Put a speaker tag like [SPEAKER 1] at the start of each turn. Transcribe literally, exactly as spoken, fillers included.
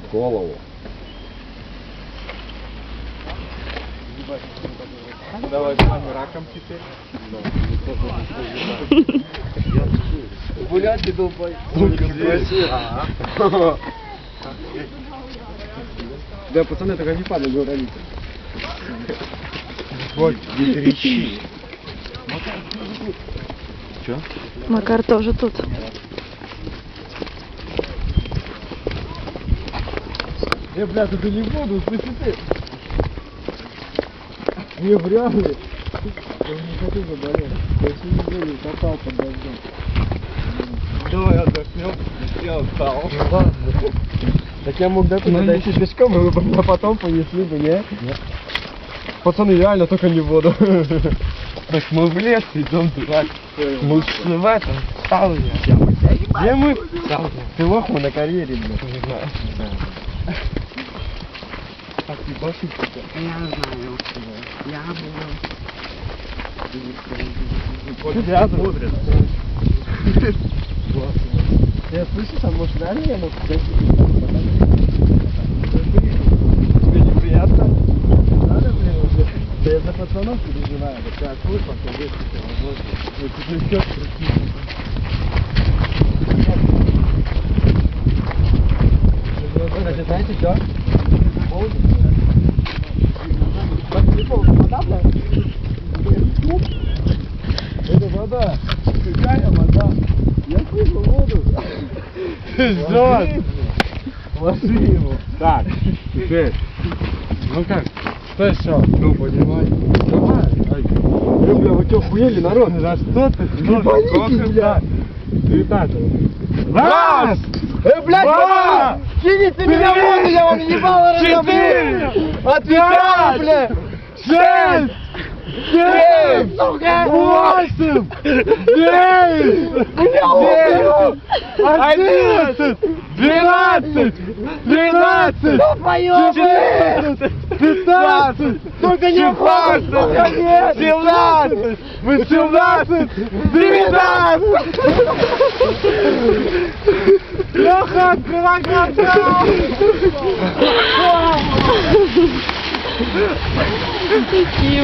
[SPEAKER 1] голову.
[SPEAKER 2] Давай раком теперь.
[SPEAKER 1] Гулять ты долбай. Да, пацаны, только не падай, говорите.
[SPEAKER 2] Вот, не трещи. Че?
[SPEAKER 3] Макар тоже тут.
[SPEAKER 1] Э, бля, тут не буду, слышите ты? Не вряд ли. Я не хочу заболеть. Я все не буду, катал под дождем.
[SPEAKER 2] Давай отдохнем. Я устал.
[SPEAKER 1] Ну ладно. Так я мог до туда дойти пешком, и вы бы меня потом понесли бы, не? Нет. Пацаны, реально, только не в воду.
[SPEAKER 2] Так мы в лес идем, дурак. Мы в этом сауне.
[SPEAKER 1] Где мы?
[SPEAKER 2] Сауне.
[SPEAKER 1] Ты лох, мы на карьере, блядь.
[SPEAKER 2] Не знаю.
[SPEAKER 1] Так, ебашить тебя.
[SPEAKER 4] Я знаю. Я буду.
[SPEAKER 1] Тебя смотрят. Я слышу, там, может, реально я мог тебя тебе неприятно? Надо, блин, уже. Да я за пацанов переживаю. Вот ты открой, потом весь ну, тебе все крутится. Кстати, знаете что? Вода, блядь? Это вода. Какая вода? Я слышу воду.
[SPEAKER 2] Пиздец.
[SPEAKER 1] Ложи его.
[SPEAKER 2] Так, теперь. Ну как? Что еще?
[SPEAKER 1] Ну, понимай.
[SPEAKER 2] Давай.
[SPEAKER 1] Ай. Бля, вы что, хуели, народ?
[SPEAKER 2] За что ты?
[SPEAKER 1] Ебанитесь, бля.
[SPEAKER 2] Итак. Раз!
[SPEAKER 1] Э, блядь,
[SPEAKER 2] Два!
[SPEAKER 1] кинете меня в воду, я вам ебало
[SPEAKER 2] Четыре!
[SPEAKER 1] разобью. Отвечаю, бля.
[SPEAKER 2] Шесть! Семь!
[SPEAKER 1] Сука!
[SPEAKER 2] Восемь! Девять!
[SPEAKER 1] Бля,
[SPEAKER 2] Одиннадцать! Двенадцать! Тринадцать! Четырнадцать! Пятнадцать!
[SPEAKER 1] Только не
[SPEAKER 2] Шестнадцать!
[SPEAKER 1] сука, нет!
[SPEAKER 2] Семнадцать! Восемнадцать! Девятнадцать! Леха, открывай глаза!
[SPEAKER 3] Такие